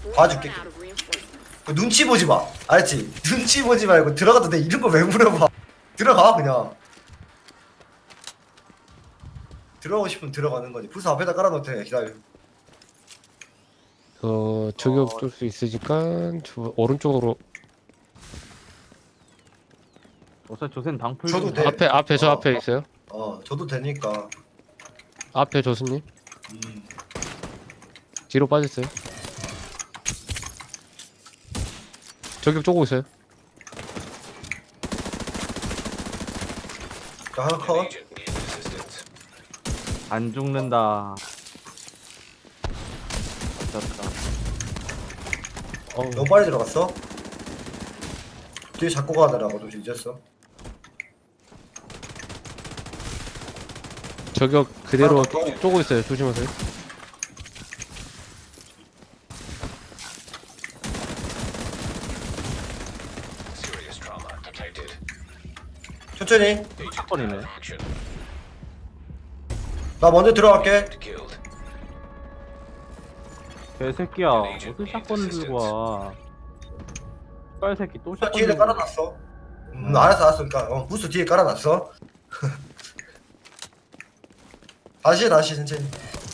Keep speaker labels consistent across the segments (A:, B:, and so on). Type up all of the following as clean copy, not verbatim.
A: 봐줄게. 그 눈치 보지 마. 알지? 눈치 보지 말고 들어가도 돼. 이런 거 왜 물어봐? 들어가 그냥. 들어가고 싶으면 들어가는 거지. 부스 앞에다 깔아놓을 테니까 기다려.
B: 저격 쏠 수 있으니까 저 오른쪽으로
C: 어차피 조센 방풀
A: 저도
C: 좀-
A: 돼.
B: 앞에 저
A: 어.
B: 앞에 있어요.
A: 저도 되니까.
B: 앞에 조수님
A: 음.
B: 뒤로 빠졌어요. 저격 쪼고 있어요.
A: 자, 하나 컷.
C: 안 죽는다. 됐다.
A: 너무 빨리 들어갔어. 뒤에 잡고 가더라고. 좀 잊었어.
B: 저격 그대로 쪼고 있어요. 조심하세요.
A: 천천히.
C: 샷건이네.
A: 나 먼저 들어갈게.
C: 개새끼야. 어떻게 샷건을 들고 와. 빨 새끼 또 샷건
A: 뒤에
C: 들고
A: 깔아놨어. 알았어. 그러니까 부스 뒤에 깔아놨어. 다시 천천히.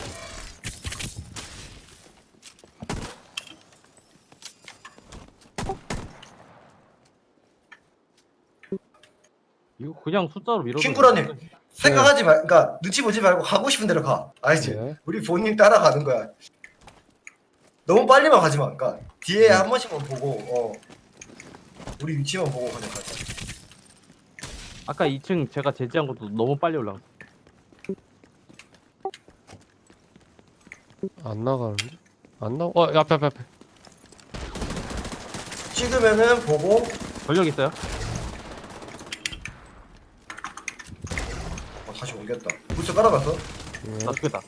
C: 이거 그냥 숫자로 밀어도
A: 킹구라님 생각하지 말, 그러니까 눈치 보지 말고 가고 싶은 대로 가. 알지?
B: 네.
A: 우리 본인 따라가는 거야. 너무 빨리만 가지 마. 그러니까 뒤에 한 번씩만 보고, 우리 위치만 보고 그냥 가자.
C: 아까 2층 제가 제지한 것도 너무 빨리 올라갔어.
B: 안 나가는데? 안 나? 앞에.
A: 찍으면은 보고.
C: 전력 있어요?
A: 다시 옮겼다. 부스 깔아놨어.
B: 네.
C: 나 죽겠다.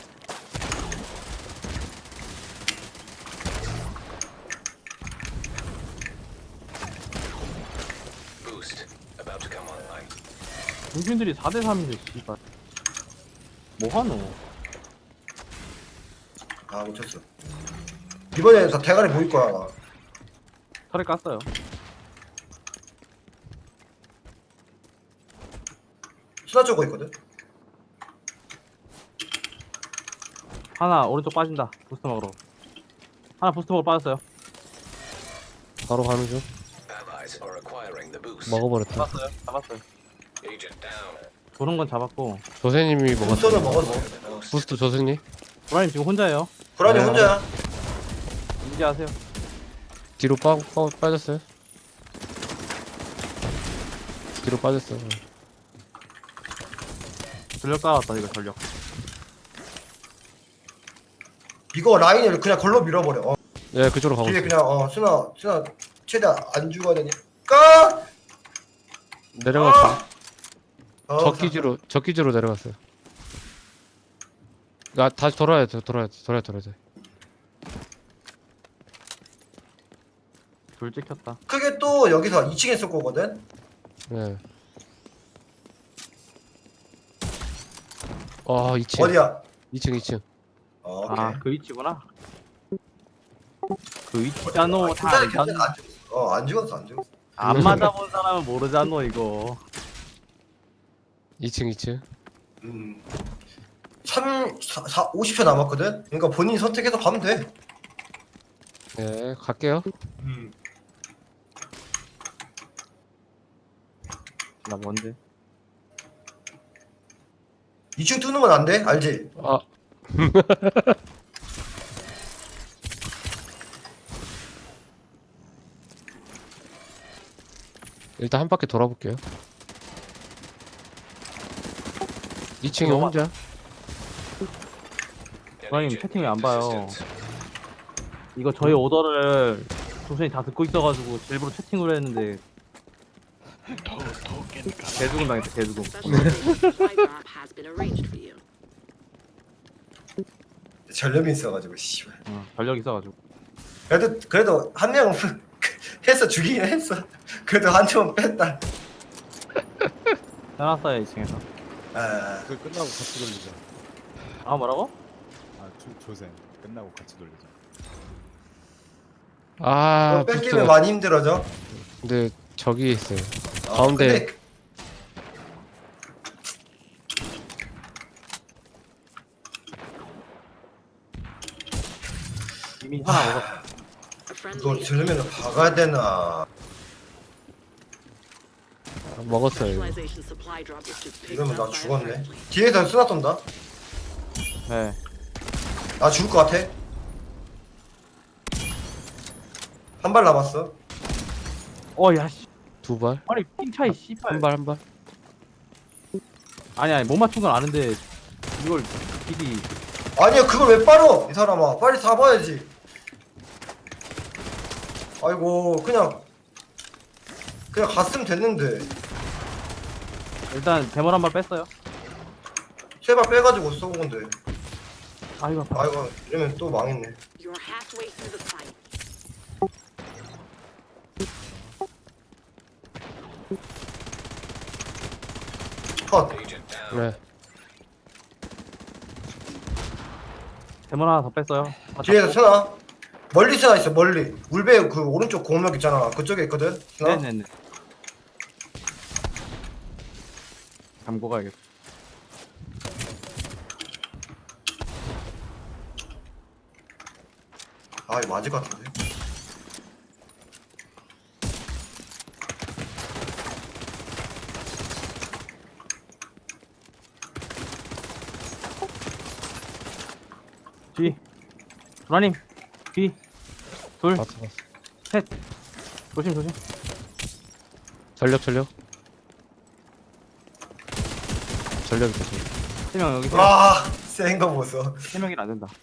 C: 중신들이 4대 3인데 씨발. 뭐하노?
A: 놓쳤어. 이번에 다 대가리 보일 거야. 나.
C: 털에 깠어요.
A: 수다 쪼고 있거든.
C: 하나 오른쪽 빠진다. 부스트 먹으러. 하나 부스트 먹으러 빠졌어요.
B: 바로 가는 중. 먹어버렸다.
C: 잡았어요. 도는 건 잡았고.
B: 조세님이
A: 부스는
B: 먹었어.
A: 먹어도
B: 부스트 조세님
C: 브라님 지금 혼자예요.
A: 구란이
B: 네.
A: 혼자야.
C: 인지하세요.
B: 뒤로 빠졌어요. 뒤로 빠졌어.
C: 전력 깔았다 이거 전력.
A: 이거 라인을 그냥 걸로 밀어버려.
B: 네, 그쪽으로 가고
A: 뒤에
B: 있어요.
A: 그냥 순아 최대한 안 죽어야 되니까.
B: 내려갔어.
A: 어,
B: 적기지로 내려갔어요. 다시 돌아야 돼.
C: 둘 찍혔다.
A: 크게 또 여기서 2층에 쏠 거거든.
B: 네. 2층.
A: 어디야?
B: 2층.
A: 오케이.
C: 아 그 위치구나. 그 위치잖아.
A: 괜찮아, 괜찮아. 안 죽었어. 안 죽었어.
C: 안 맞아본 사람은 모르잖아 이거.
B: 2층.
A: 50초 남았거든. 그러니까 본인이 선택해서 가면 돼.
B: 네, 갈게요.
C: 나 뭔데?
A: 2층 뚫는 건 안 돼. 알지?
B: 아. 일단 한 바퀴 돌아볼게요. 2층에 혼자.
C: 부장님 채팅을 안 봐요. 이거 저희 오더를 조선이 다 듣고 있어가지고 일부러 채팅으로 했는데 개죽음 당했다 개죽음.
A: 전력이 있어가지고 씨발.
C: 전력 있어가지고.
A: 그래도 한 명 했어 죽이긴 했어. 그래도 한 명 뺐다.
C: 해놨어요 2층에서.
D: 그 끝나고 같이 돌리자.
C: 아 뭐라고?
D: 조센 끝나고 같이 돌리자.
B: 아,
A: 이거 뺏기면
B: 부스터가-
A: 많이 힘들어져.
B: 근데 저기 있어요.
A: 아,
B: 가운데.
A: 근데
C: 이미 하나 먹었어.
A: 이거 들으면 박아야 되나?
B: 아, 먹었어요. 이거.
A: 이러면 나 죽었네. 뒤에서 쓰나 쏜다.
C: 네.
A: 나 죽을 것 같아. 한 발 남았어.
C: 야 씨.
B: 두 발?
C: 아니 핑 차이 씨발.
B: 한 발, 한 발?
C: 아니 못 맞춘 건 아는데 이걸 미리
A: 아니야, 그걸 왜 빨어? 이 사람아, 빨리 잡아야지. 아이고, 그냥 갔으면 됐는데.
C: 일단 대문 한 발 뺐어요.
A: 세 발 빼가지고 쏘은 건데.
C: 아이고 아파.
A: 아이고, 이러면 또 망했네.
E: You're halfway through the fight.
A: 컷.
B: 네.
C: 대문 하나 더 뺐어요.
A: 뒤에서 쓰나? 멀리 쓰나 있어, 멀리. 울베 그 오른쪽 공격 있잖아. 그쪽에 있거든. 쓰나?
C: 네네네. 잠고 가야겠다.
A: 아, 이거 맞을 것 같은데.
C: 뒤. 도라님. 뒤. 둘.
B: 봤어, 봤어.
C: 셋. 조심 조심.
B: 전력, 전력. 전력 있다, 전력.
C: 3명 여기
A: 아, 센 거 보소.
C: 3명이 안 된다.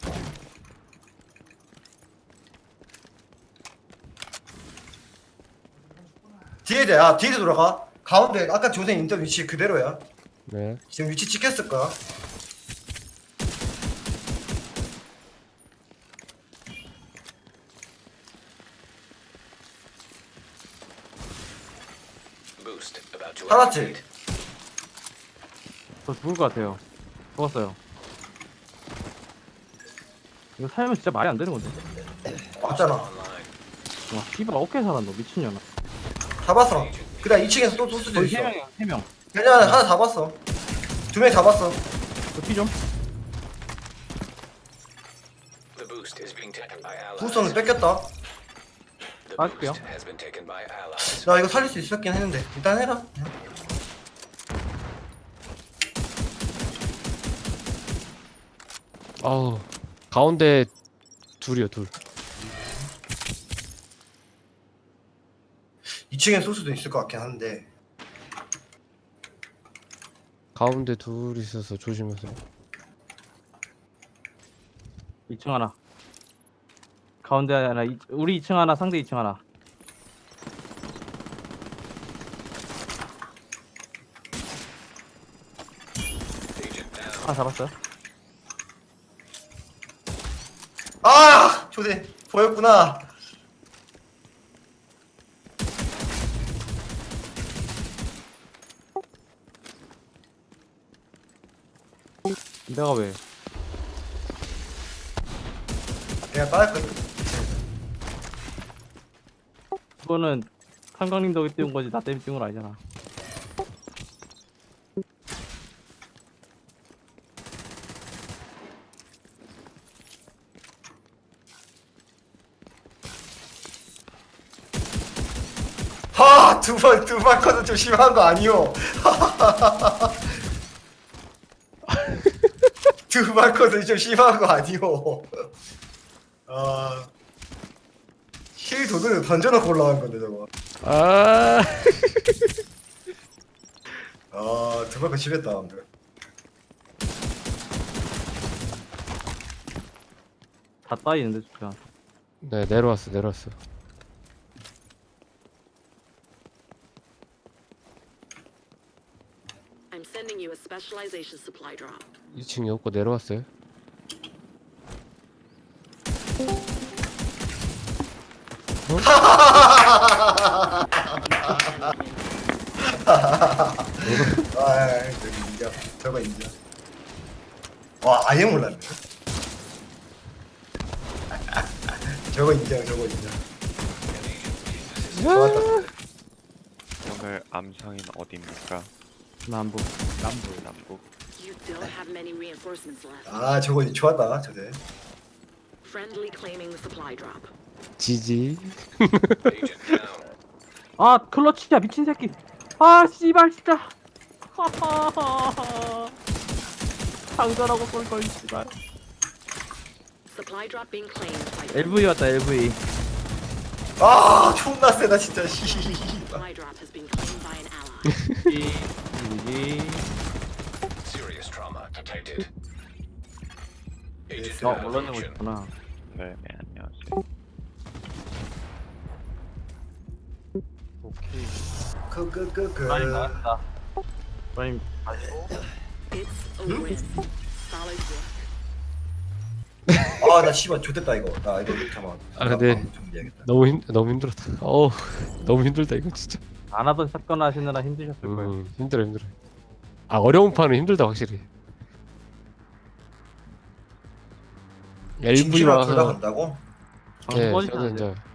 A: 뒤에도 돌아가. 가운데 아까 조생 인터 위치 그대로야.
B: 네.
A: 지금 위치 찍혔을 거야. 살았지?
C: 저 죽을 것 같아요. 죽었어요. 이거 살면 진짜 말이 안 되는 건데.
A: 맞잖아.
C: 와, 씨발 어떻게 살았노 미친년아.
A: 잡았어. 그다음 2층에서 또 수도
C: 거의
A: 있어.
C: 3명이야 3명.
A: 그냥 하나 잡았어. 2명 잡았어.
C: 저피 좀.
A: 부스터는 뺏겼다.
C: 빠질게요.
A: 나 이거 살릴 수 있었긴 했는데 일단 해라.
B: 아우, 가운데 둘이요, 둘.
A: 2층에 쏠 수도 있을 것 같긴 한데.
B: 가운데 둘 있어서 조심하세요.
C: 2층 하나. 가운데 하나. 우리 2층 하나 상대 2층 하나. 하나 잡았어요.
A: 아, 조대 보였구나.
C: 내가 왜?
A: 그냥 빠질 거야.
C: 그거는 상강님 덕에 띄운 거지 나 때문에 띄운 건 아니잖아.
A: 하, 두 번 커도 좀 심한 거 아니오? 두 번 커도 좀 심한 거 아니오? 아, 힐 도둑을 던져놓고 올라간 건데 저거.
B: 아,
A: 아, 두 번 커 심했다, 근데.
C: 다 따이는데 진짜.
B: 네, 내려왔어, 내려왔어.
E: I'm sending you a specialization supply drop.
B: 2층이 없고 내려왔어요.
A: 아, 저기 인정. 저거 인정. 와, 아예 몰랐네. 저거 인정, 저거 인정. 좋았다.
F: 오늘 암상인 어디입니까?
C: 남부.
F: 남북.
E: You don't have many reinforcements left.
A: 아 저거 좋았다 저대.
E: Friendly claiming the supply drop.
B: 지지.
C: 아 클러치야 미친 새끼. 아 씨발 진짜. 하하하. 장전하고 쏠걸 씨발.
E: Supply drop being claimed by
C: LV 왔다 LV.
A: 아 존나 세다 진짜.
E: supply drop has been claimed by an ally.
C: 지지.
G: Serious trauma detected. Agent
C: 올라내고
G: evaluation.
C: 있구나.
F: 네, 안녕하세요.
D: 오케이.
A: 그그그그.
C: 라임 나왔다. 라임 마시고.
E: It's a win. Solid work.
A: 아나 씨발 좋댔다 이거. 나 이거 잠깐.
B: 아, 근데
A: 정리해야겠다.
B: 너무 힘들었다. 너무 힘들다 이거 진짜.
C: 안 하던 샷건 하시느라 힘드셨을 거예요.
B: 힘들어. 아 어려운 판은 힘들다 확실히.
A: 진심으로
B: LV와
A: 둘다 간다고?
B: 네,
C: 꺼지지
B: 저는
C: 않아요.
B: 이제